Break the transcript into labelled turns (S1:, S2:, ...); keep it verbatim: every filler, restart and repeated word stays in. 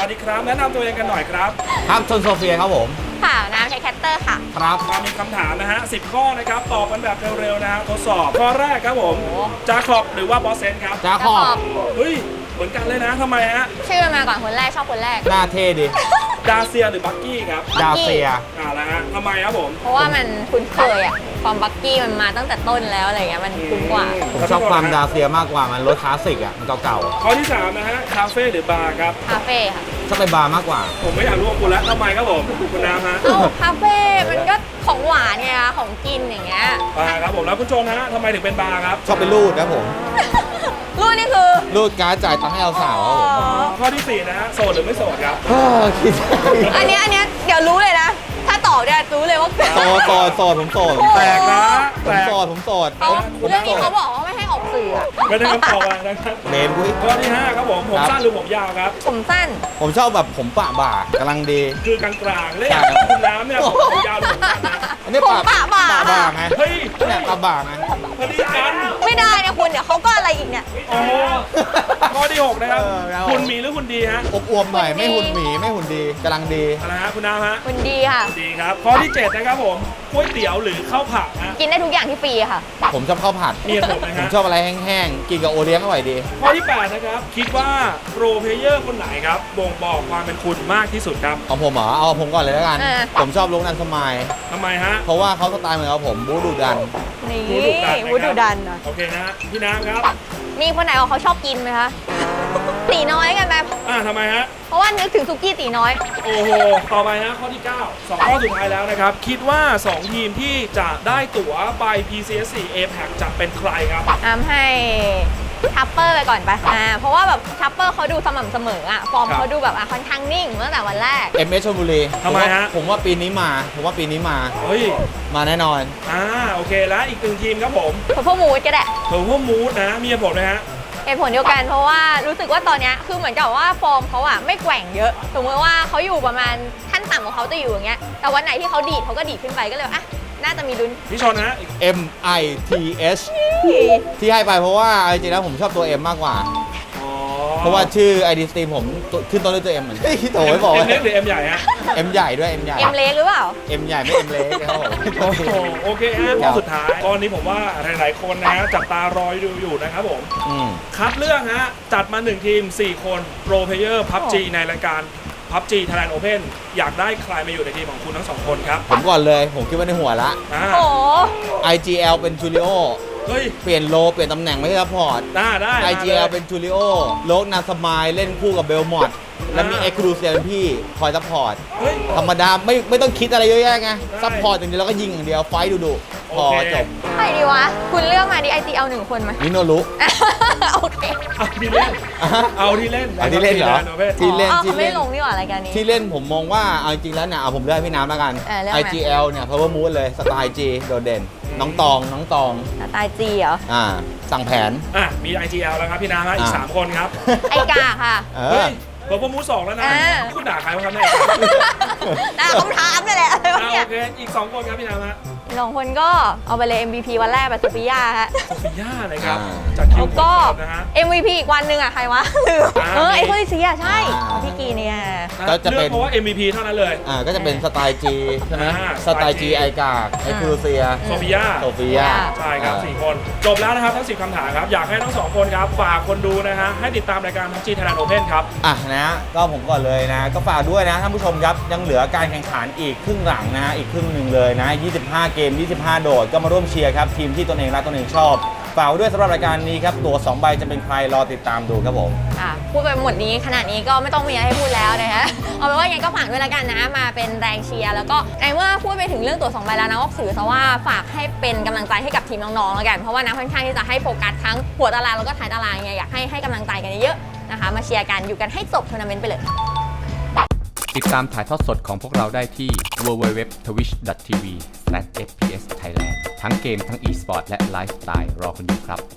S1: สดีครับแนะนำตัวเองกันหน่อยครับ
S2: ครับชนโซเฟียครับผม
S3: ค่ะน้ำใช้แคตเตอร์ค่ะ
S2: ครับ
S1: มีคำถามนะฮะสิบข้อนะครับตอบกันแบบเร็วๆนะฮะทดสอบข้อแรกครับผมจาคอบหรือว่าบอสเซนครับ
S2: จาคอบ
S1: เฮ้ยเหมือนกันเลยนะทำไมฮะ
S3: ชื่อมาก่อนคนแรกชอบคนแรก
S2: หน้าเท่ดิ
S1: ดาเซียหรือบักกี้ครับ
S2: ดาเซีย
S1: อ่าแล้วฮะทำไมครับผม
S3: เพราะว่ามันคุ้นเคยอะความบักกี้มันมาตั้งแต่ต้นแล้วอะไรเงี้ยมันคุ้นกว่า
S2: ผมชอบความดาเซียมากกว่ามันรถคลาสสิกอ่ะมันเก่า
S1: ๆข้อที่สามนะฮะคาเฟ่หรือบาร์ครับ
S3: คาเฟ่ค่ะ
S2: ชอบไปบาร์มากกว่า
S1: ผมไม่อยากรู้ว่าคุณแล้วทำไมครับผมคุณน้ำฮะ
S3: เอ้าคาเฟ่มันก็ของหวานไงคะของกินอย่างเงี้ย
S1: บาร์ครับผมแล้วคุณโจนะฮะทำไมถึงเป็นบาร์ครับ
S2: ชอบไปรูดนะผม
S3: รูดนี่คือ
S2: รูดการ์ดจ่ายตังค์ให้เราสาวครับผม
S1: ข้อที่สี่นะฮะโสดหรือไม่โสดครับ
S2: คิด
S3: อันนี้อันนี้เดี๋ยวรู้เลยนะถ้าตอบเนี่ยรู้เลยว่า
S2: โสดโสดโสดผมโสด
S1: แปลกนะ
S2: ผมโสดผมโสด
S3: เรื่องนี้เขาบอกว่าไม่ให้ออกสื่อ
S1: ไม่ได้คำตอบนะครับ
S2: เบนกุ้ย
S1: ข้อที่ห้าครับผมผมสั้นหรือผมยาวครับ
S3: ผมสั้น
S2: ผมชอบแบบผมปะบ่ากำลังดี
S1: คือกลางๆเลยคุณน้ำเนี่ยผมยาวหรือผมสั้นนะ
S2: อันนี้ปะ
S3: ปะบ่า
S2: ปะบ่าไง
S1: เฮ้ย
S2: เนี่ยปะบ่าไง
S1: พอดีกัน
S3: ไม่ได้นะคุณเดี๋ยวเขาก็อะไรอีกเนี่ย
S1: ข้อที่หกนะครับคุณมีหรือคุณดีฮะ
S2: อบอวมหน่อยไม่หุ่นหมีไม่หุ่นดีกำลังดี
S1: อะไรฮะคุณน้ำฮะ
S3: คุณดีค่ะ
S1: ดีครับข้อที่เจ็ดนะครับผมก๋วยเตี๋ยวหรือข้าวผัดฮะ
S3: กินได้ทุกอย่างที่ฟรีค่ะ
S2: ผมชอบข้าวผัด
S1: มีผมนะฮะ
S2: ผมชอบอะไรแห้งๆกินกับโอเลี้ยงอร่อยดี
S1: ข้อที่แปดนะครับคิดว่าโปรเพลเยอร์คนไหนครับบ่งบอกความเป็นคุณมากที่สุดครับ
S2: ของผมเหรอเอาผมก่อนเลยแล้วกันผมชอบลุงนันสมัย
S1: ทำไมฮะ
S2: เพราะว่าเขาสไตล์เหมือนกับผมบู๊ดุดัน
S3: นี่บู๊ดุดันนะ
S1: โอเคนะพี่น้ำครับ
S3: มีคนไหนบอกเขาชอบกินไหมคะตีน้อยกันไหม
S1: อ่าทำไมฮะ
S3: เพราะว่านึกถึงซุกี้ตีน้อย
S1: โอ้โหต่อไปนะข้อที่เก้าสองข้อสุดท้ายแล้วนะครับคิดว่าสองทีมที่จะได้ตั๋วไป พี ซี เอส โฟร์ เอ พี เอ ซี จะเป็นใครครับ
S3: อ้ำให้ทัปเปอร์ไปก่อนไปอ่าเพราะว่าแบบทัปเปอร์เขาดูสม่ำเสมออ่ะฟอร์มเขาดูแบบอ่ะค่อนข้างนิ่งตั้งแต่วันแรก
S2: เอ็ม เอส ชลบุรี
S1: ทำไมฮะ
S2: ผมว่าปีนี้มาผมว่าปีนี้มา
S1: เฮ้ย
S2: มาแน่นอน
S1: อ่าโอเคแล้วอีกหนึ่งทีมครับผม
S3: เพอร์พมูดก็ได้
S1: เพอร์พมูดนะมีเหตุผลไหมฮะ
S3: เหตุผลเดียวกันเพราะว่ารู้สึกว่าตอนนี้คือเหมือนกับว่าฟอร์มเขาอะไม่แกว่งเยอะสมมติว่าเขาอยู่ประมาณขั้นต่ำของเขาจะอยู่อย่างเงี้ยแต่วันไหนที่เขาดีดเขาก็ดีดขึ้นไปก็เลยอ่ะน่าจะมีลุ้น
S1: พี่ชนนะ
S2: M I T H ที่ให้ไปเพราะว่าจริงๆแล้วผมชอบตัว M มากกว่าเพราะว่าชื่อ ไอ ดี Steam ผมขึ้นต้นด้วยตัว M เหมือนกันโอ้ยบอก
S1: M เล็กหรือ M ใหญ่ฮะ
S2: M ใหญ่ด้วย M ใหญ่
S3: M เล็กหรือเปล่า
S2: M ใหญ่ไม่ M เล็กครับผม
S1: โอเคฮะข้อสุดท้ายตอนนี้ผมว่าหลายๆคนนะจับตารอดูอยู่นะครับผมคัดเลือกฮะจัดมาหนึ่งทีมสี่คนโปรเพลเยอร์ พับจี ในรายการ พับจี Thailand Open อยากได้ใครมาอยู่ในทีมของคุณทั้งสองคนครับ
S2: ผมก่อนเลยผมคิดว่าในหัวละ
S3: โอ้
S2: ไอ จี แอล เป็นจูริโอ
S1: เฮ้ย
S2: เปลี่ยนโลเปลี่ยนตำแหน่งไม่ใช่ซัพพอร์ต
S1: ได้ได้
S2: ไอ จี แอล เป็นจูริโอโลกนาสมายเล่นคู่กับเบลมอดแล้วมีเอ็กซ์ครูเซียเป็นพี่คอยซัพพอร์ตธรรมดาไม่ไม่ต้องคิดอะไรเยอะแยะไงซัพพอร์ตอย่างเดียวแล้วก็ยิงอย่างเดียวไฟดูดูพอจบ
S3: ใครดีวะคุณเลือกมาดิ ไอ จี แอล หนึ่งคนไหม
S2: มิโนรุ
S3: โอเค
S1: เอาที่เล่นเอาที่เล่น
S2: เอาที่เล่นเหรอที่เล่น
S3: ที่เล่นไม่ลงนี่หว่ารายการนี้
S2: ที่เล่นผมมองว่าเอาจริงแล้วเนี่ยเอาผมเลือกพี่น้ำแล้วกัน ไอ จี แอล เนี่ย Power Move เลยสไตล์ G โดดเด่นน้องตองน้องตอง
S3: สไตล์ G เหรอ
S2: อ่าสั่งแผน
S1: อ่ะมี ไอ จี แอล แล้วครับพี่น้ำฮะอีกสามคนครับ
S3: ไอกาค่ะ
S1: เฮ้ยเพิ่มมูสองแล้วนะคุณด่าใครวะครับเนี่ย
S3: ด่าคำถามนี่แหละ
S1: โอเคอีกสองคนครับพี่น้ำฮะ
S3: สองคนก็เอาไปเลย เอ็ม วี พี วันแรกแบบโซฟิยาฮะ
S1: โซฟิยาเลยครับจากคิว
S3: ก็ เอ็ม วี พี อีกวันหนึ่งอ่ะใครวะเออไอโคลิเซียใช่พี่กีเนี่ย
S1: ก็จะเป็นเพราะว่า เอ็ม วี พี เท่านั้นเลย
S2: อ่าก็จะเป็นสไตล์ G ใช่ไหมสไตล์ G ไอกากไอคูเซีย
S1: โซฟิยา
S2: โซฟิยา
S1: ใช่ครับสี่คนจบแล้วนะครับทั้งสิบคำถามครับอยากให้ทั้งสองคนครับฝากคนดูนะฮะให้ติดตามรายการ พับจี Thailand Open ครับ
S2: อ่ะนะก็ผมก่อนเลยนะก็ฝากด้วยนะท่านผู้ชมครับยังเหลือการแข่งขันอีกครึ่งหลังนะอีกครึ่งหนึ่งเลยนะยี่สิบห้าเกมยี่สิบห้าโดดก็มาร่วมเชียร์ครับทีมที่ตนเองรักตนเองชอบฝากด้วยสำหรับรายการนี้ครับตัวสองใบจะเป็นใครรอติดตามดูครับผม
S3: อ่ะพูดไปหมดนี้ขนาดนี้ก็ไม่ต้องมีอะไรให้พูดแล้วนะฮะเอาเป็นว่ายังไงก็ฝากด้วยละกันนะมาเป็นแรงเชียร์แล้วก็ในเมื่อพูดไปถึงเรื่องตัวสองใบแล้วนะก็ถือซะว่าฝากให้เป็นกำลังใจให้กับทีมน้องๆแล้วกันเพราะว่านะค่อนข้างที่จะให้โฟกัสทั้งหัวตารางแล้วก็ท้ายตารางไงอยากให้ให้กำลังใจกันเยอะๆนะคะมาเชียร์กันอยู่กันให้จบทัวร์นาเมนต์ไปเลย
S4: ติดตามถ่ายทอดสดของพวกเราได้ที่ ดับเบิลยู ดับเบิลยู ดับเบิลยู ดอท ทวิช ดอท ที วี สแลช เอฟ พี เอส ไทยแลนด์ ทั้งเกมทั้ง e-sport และไลฟ์สไตล์รอคุณอยู่ครับ